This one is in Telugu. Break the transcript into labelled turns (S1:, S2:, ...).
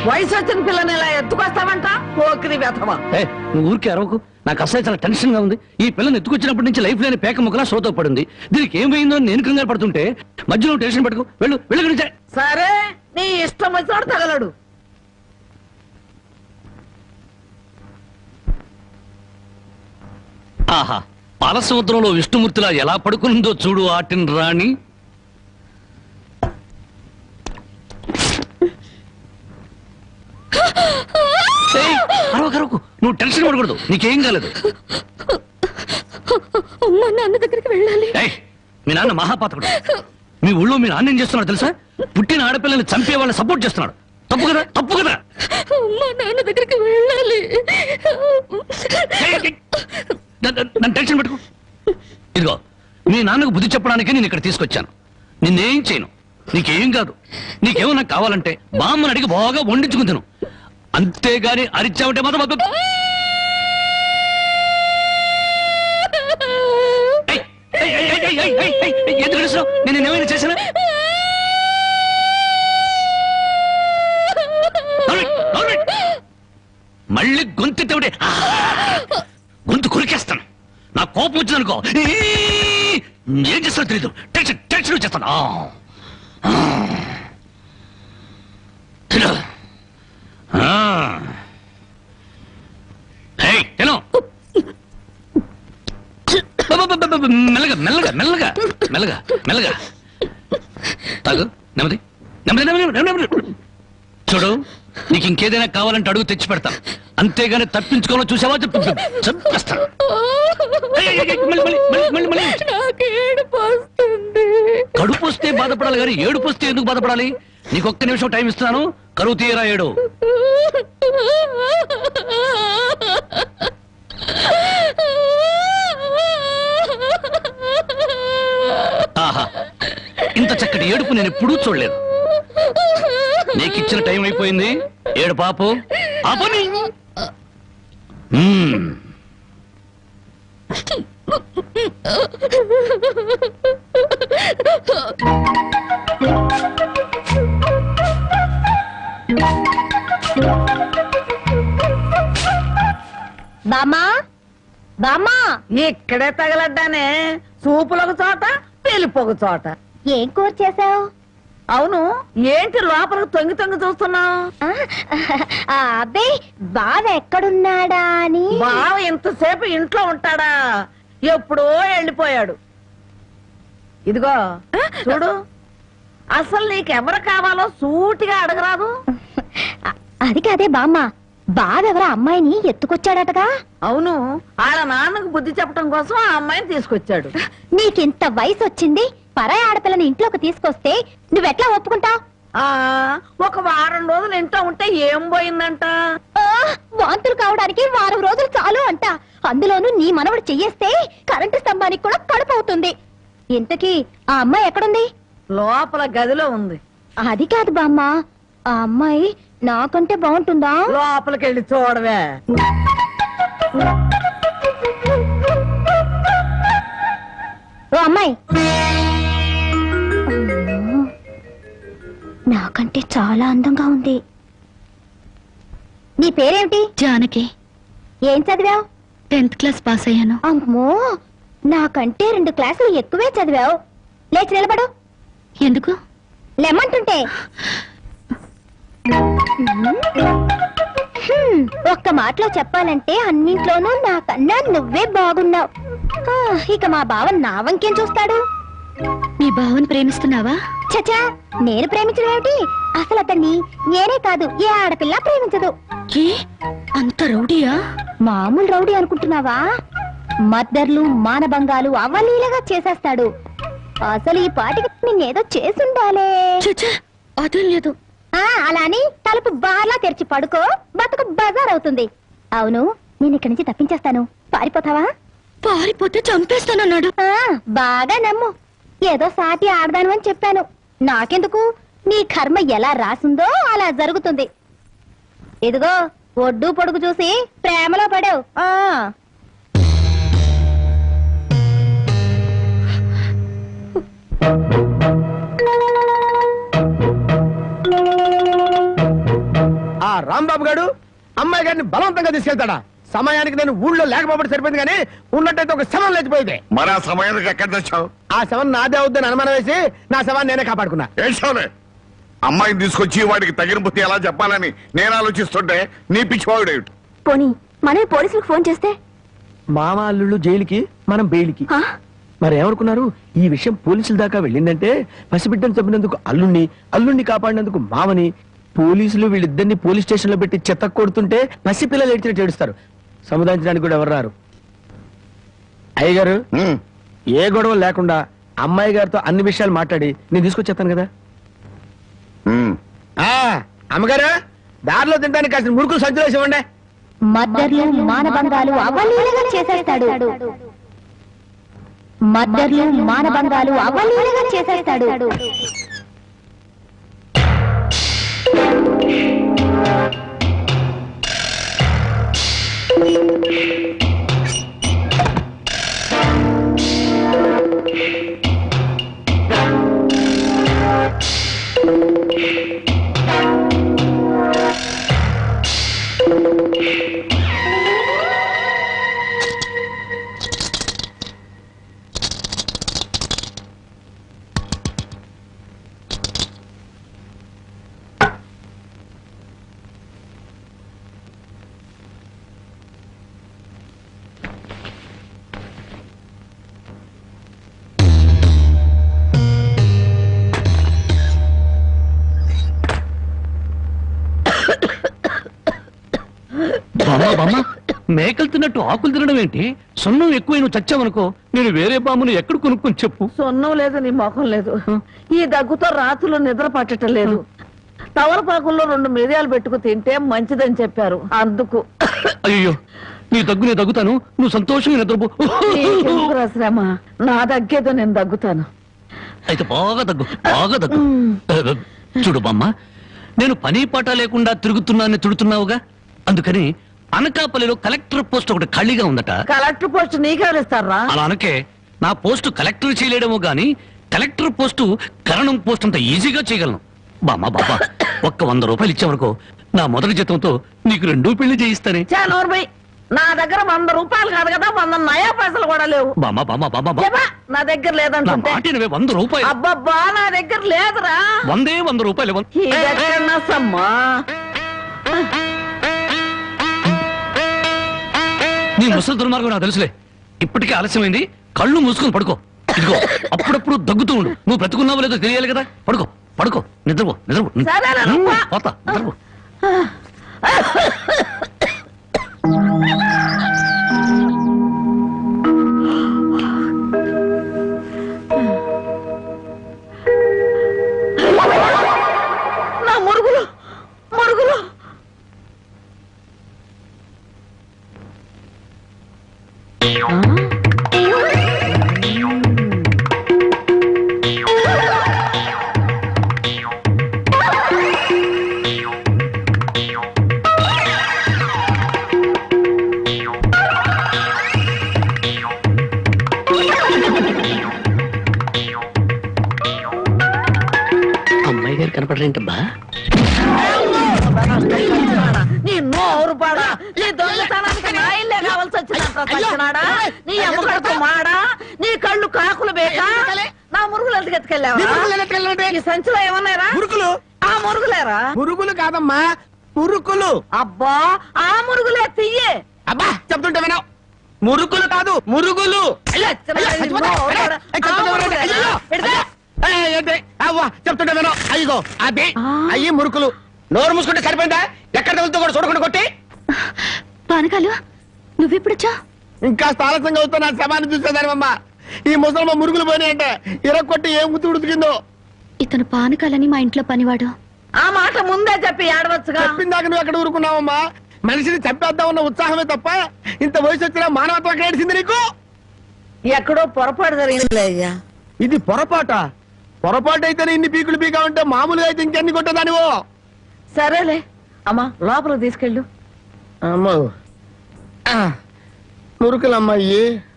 S1: వయసు వచ్చిన పిల్లని ఇలా ఎత్తుకొస్తావంట పోకిరి వ్యథమా.
S2: నువ్వు ఊరికే అరవకు, నాకు అసలు చాలా టెన్షన్ గా ఉంది. ఈ పిల్లని ఎత్తుకొచ్చినప్పటి నుంచి లైఫ్ లేని పేక ముక్కలా షోతో పడింది. దీనికి ఏమైందో నేను కంగారు పడుతుంటే మధ్యలో టెన్షన్ పట్టుకు వెళ్ళు వెళ్ళి.
S1: సరే నీ ఇష్టం వచ్చినోడు తగలడు.
S2: ఆహా, పాలసముద్రంలో విష్ణుమూర్తిలా ఎలా పడుకుందో చూడు ఆటిన్ రాణి. అరవకు, నువ్వు టెన్షన్ పడకూడదు, నీకేం కాలేదు.
S3: నాన్న దగ్గరికి వెళ్ళాలి.
S2: మీ నాన్న మహాపాతకుడు. మీ ఊళ్ళో మీ నాన్న ఏం చేస్తున్నాడు తెలుసా? పుట్టిన ఆడపిల్లని చంపే వాళ్ళని సపోర్ట్ చేస్తున్నాడు. తప్పు కదా, తప్పు కదా.
S3: నాన్న దగ్గరికి వెళ్ళాలి.
S2: నన్ను టెన్షన్ పెట్టుకో. ఇదిగో, మీ నాన్నకు బుద్ధి చెప్పడానికి నేను ఇక్కడ తీసుకొచ్చాను. నిన్నేం చేయను, నీకేం కాదు. నీకేమన్నా కావాలంటే బామ్మని అడిగి బాగా వండించుకుని తిను. అంతేగాని అరిచావంటే మాత్రం ఎందుకు అరుస్తున్నావు? నేను ఏమైనా చేశానా? మళ్ళీ గొంతెత్తే గొంతు కురికేస్తాను. నా కోపం వచ్చిందనుకో ఏం చేస్తానో తెలీదు. టెన్షన్ టెన్షన్ చేస్తాను. మెల్లగా మెల్లగా మెల్లగా మెల్లగా మెల్లగా తాగు. నెమ్మది నెమ్మది నెమ్మది నెమ్మది. చూడు, నీకు ఇంకేదైనా కావాలంటే అడుగు తెచ్చి పెడతాను. అంతేగాని తప్పించుకోవాలో చూసావా చెప్పేస్తాను. కడుపు వస్తే బాధపడాలి కానీ ఏడుపు వస్తే ఎందుకు బాధపడాలి? నీకు ఒక్క నిమిషం టైం ఇస్తున్నాను. కరువు తీయరా ఏడు. ఆహా, ఇంత చక్కటి ఏడుపు నేను ఎప్పుడూ చూడలేదు. నీకు ఇచ్చిన టైం అయిపోయింది. ఏడు పాపు ఆపని.
S3: బామా బామా,
S1: ఇక్కడే తగలడ్డానే. సూపులొక చోట, పెళ్లిపోక చోట.
S3: ఏం కూర చేసావు?
S1: అవును, ఏంటి లోపలికి తొంగి తొంగి చూస్తున్నావు?
S3: అబ్బే, బావ ఎక్కడున్నాడా అని.
S1: బావ ఇంతసేపు ఇంట్లో ఉంటాడా? ఎప్పుడో వెళ్ళిపోయాడు. ఇదిగో చూడు, అసలు నీకెవరు కావాలో సూటిగా అడగరాదు.
S3: అది కాదే బామ్మ, బావెవరో అమ్మాయిని ఎత్తుకొచ్చాడటగా.
S1: అవును, ఆడ నాన్నకు బుద్ధి చెప్పడం కోసం ఆ అమ్మాయిని తీసుకొచ్చాడు.
S3: నీకింత వయసు వచ్చింది, పరాయి ఆడపిల్లని ఇంట్లోకి తీసుకొస్తే నువ్వెట్లా ఒప్పుకుంటావు?
S1: ఒక వారం రోజులు ఇంట్లో ఉంటే ఏం పోయిందంట?
S3: వాంతులు కావడానికి వారం రోజులు చాలు అంట. అందులోనూ నీ మనవడు చెయ్యేస్తే కరెంటు స్తంభానికి కూడా కడుపు అవుతుంది. ఇంతకీ ఆ అమ్మాయి ఎక్కడుంది?
S1: లోపల గదిలో ఉంది.
S3: అది కాదు బామ్మ, ఆ అమ్మాయి నాకంటే బాగుంటుందా?
S1: లోపలికి వెళ్ళి చూడవే.
S3: ఓ అమ్మాయి, నాకంటే చాలా అందంగా ఉంది. నీ పేరేమిటి?
S4: జానకి.
S3: ఏం చదివావు?
S4: 10th క్లాస్ పాస్ అయ్యాను.
S3: అమ్మో, నాకంటే 2 క్లాసులు ఎక్కువే చదివావు. లేచి నిలబడు.
S4: ఎందుకు?
S3: లెమ్మంటుంటే. ఒక్క మాటలో చెప్పాలంటే అన్నింట్లోనూ నాకన్నా నువ్వే బాగున్నావు. ఇక మా బావ నా వంకేం చూస్తాడు?
S4: మీ బావని ప్రేమిస్తున్నావా?
S3: చచా, నేను ప్రేమించడం ఏమిటి? అసలు అతన్ని నేనే కాదు, ఏ ఆడపిల్ల ప్రేమించదు.
S4: ఏ, అంత రౌడీయా?
S3: మామూలు రౌడీ అనుకుంటున్నావా? మద్దర్లు మానభంగాలు అవలీలగా చేసేస్తాడు. అసలు ఈ పాటికి నిన్నేదో చేసుండాలే.
S4: చచ్చా, అదేం లేదు.
S3: అలాని తలుపు బార్లా తెరిచి పడుకో, బతుకు బజార్ అవుతుంది. అవును, నేను ఇక్కడి నుంచి తప్పించేస్తాను. పారిపోతావా?
S4: పారిపోతే చంపేస్తానన్నాడు.
S3: బాగా నమ్ము. ఏదో సాటి ఆడదాను అని చెప్పాను. నాకెందుకు, నీ కర్మ ఎలా రాసిందో అలా జరుగుతుంది. ఇదిగో, ఒడ్డు పొడుగు చూసి ప్రేమలో పడావు.
S5: రాంబాబు గారు అమ్మాయి గారిని బలవంతంగా తీసుకెళ్తాడా? సమయానికి నేను ఊళ్ళో లేకపోతే సరిపోయింది, కానీ ఉన్నట్టయితే ఒక శవం లేచిపోయింది.
S6: మరి ఆ సమయానికి ఎక్కడ తెచ్చావు?
S5: ఆ శవం నాదే అవుద్దని అనుమానం వేసి నా శవాన్ని నేనే కాపాడుకున్నా.
S6: ఏడ్చావులే. అమ్మాయిని తీసుకొచ్చి వాడికి తగిన బుద్ధి ఎలా చెప్పాలని నేను ఆలోచిస్తుంటే నీ పిచ్చివాడు.
S3: పోనీ మనమే పోలీసులకు ఫోన్ చేస్తే?
S5: మామ అల్లుళ్ళు జైలుకి, మనం బెయిల్కి. మరి ఏమనుకున్నారు? ఈ విషయం పోలీసుల దాకా వెళ్ళిందంటే పసిబిడ్డను చంపినందుకు అల్లుణ్ణి కాపాడినందుకు మామని, పోలీసులు వీళ్ళిద్దరిని పోలీస్ స్టేషన్ లో పెట్టి చెత్త కొడుతుంటే పసిపిల్లలు ఏడ్చినట్టు ఏడుస్తారు. సముదాయించడానికి కూడా ఎవరు రారు. అయ్యగారు, ఏ గొడవ లేకుండా అమ్మాయి గారితో అన్ని విషయాలు మాట్లాడి నేను తీసుకొచ్చేస్తాను కదా. అమ్మగారు, దారిలో తింటానికి కాసిన మురుకులు సంచులు వేసి ఇవ్వండి.
S3: మద్దర్లు మానభంగాలు అవలీలగా చేసేస్తాడు. మద్దర్లు మానభంగాలు అవలీలగా చేసేస్తాడు.
S2: మేకలు తిన్నట్టు ఆకులు తినడం ఏంటి? సొన్నం ఎక్కువ నువ్వు చచ్చావనుకో, నేను వేరే బామ్మను ఎక్కడ కొనుక్కొని చెప్పు.
S1: సొన్నం లేదు, నీ ముఖం లేదు. ఈ దగ్గుతో రాత్రులు నిద్ర పట్టడం లేదు. తవలపాకుల్లో 2 మిరియాలు పెట్టుకు తింటే మంచిదని చెప్పారు, అందుకు.
S2: అయ్యో, నీ దగ్గు నేను దగ్గుతాను, నువ్వు సంతోషంగా నిద్రపో.
S1: నీకెందుకురా శ్రమ? నా దగ్గేదో నేను దగ్గుతాను.
S2: అయితే బాగా దగ్గు. చూడు బామ్మ, నేను పని పాట లేకుండా తిరుగుతున్నానని తిడుతున్నావుగా, అందుకని అనకాపల్లిలో కలెక్టర్ పోస్ట్ ఒకటి ఖాళీగా ఉందట.
S1: కలెక్టర్ పోస్ట్ నీకెవరిస్తారా?
S2: అలా అనకే, నా పోస్టు కలెక్టర్ చేయలేడమో గాని కలెక్టర్ పోస్టు కరణం పోస్ట్ అంత ఈజీగా చేయగలను. బామ్మ ఒక్క 100 రూపాయలు ఇచ్చావనుకో, నా మొదటి జీతంతో నీకు 2 పెళ్లి చేయిస్తానే.
S1: నా దగ్గర 100 రూపాయలు కాదు కదా, 100 నయా పైసలు కూడా లేవు.
S2: బామ్మ
S1: నా దగ్గర లేదంటే
S2: 100 రూపాయలు.
S1: అబ్బబ్బా, నా దగ్గర లేదురా.
S2: 100 రూపాయలు. నీ ముసలి దుర్మార్గం నాకు తెలుసులే. ఇప్పటికే ఆలస్యమైంది, కళ్ళు మూసుకొని పడుకో. ఇదిగో, అప్పుడప్పుడు దగ్గుతూ ఉండు. నువ్వు బ్రతుకున్నావో లేదో తెలియాలి కదా. పడుకో, నిద్రపో. పోతా, నిద్రపో.
S1: నా మురుగులు.
S2: అమ్మాయి గారు కనపడరేంటబ్బా?
S1: నీ నోరు పాడా, నీ దొంగతనానికి నా ఇల్లే కావాల్సి వచ్చినాడా? నీ అమ్మకడుపు మాడా, నీ కళ్ళు కాకులు బేకా. నా మురుగులు ఎందుకు ఎత్తుకెళ్ళావా? ఈ సంచిలో ఏమన్నారా?
S5: మురుకులు.
S1: ఆ మురుగులేరా?
S5: మురుగులు కాదమ్మా, మురుకులు.
S1: అబ్బా, ఆ మురుగులే తీయే.
S5: అబ్బా, చెప్తుంటే వినవు. మురుకులు కాదు, మురుగులు. చెప్తుంటే వినవు. అయ్యో, అదే అయ్యి మురుకులు. నోరు మూసుకుంటే సరిపోయిందా? ఎక్కడ తగులుతో కూడా చూడకుండా కొట్టి.
S4: పానకాలు, నువ్వెప్పుడొచ్చా?
S5: ఇంకా ఆలస్యంగా అవుతా నా శవాన్ని చూసేదానివమ్మా. ఈ ముసలమ్మ మురుగులు పోయినాయంటే ఇరక్కొట్టి ఏం గుర్తు ఉడుకుతుందో.
S4: ఇతను పానకాలని మా ఇంట్లో పనివాడు.
S1: ఆ మాట ముందే చెప్పి ఆడవచ్చుగా.
S5: చెప్పిందాక నువ్వు ఎక్కడ ఊరుకున్నావమ్మా? మనిషిని చంపేద్దామన్న ఉత్సాహమే తప్ప ఇంత వయసు వచ్చినా మానవత్వం ఎక్కడ ఏడిసింది నీకు?
S1: ఎక్కడో పొరపాటు జరిగిందిలే అయ్యా.
S5: ఇది పొరపాటు అయితేనే ఇన్ని పీకులు పీకా ఉంటే మామూలుగా అయితే ఇంకెన్ని కొట్టేదానివో.
S1: సరేలే అమ్మా, లోపల తీసుకెళ్ళు.
S5: అమ్మో, మురుకులమ్మాయి.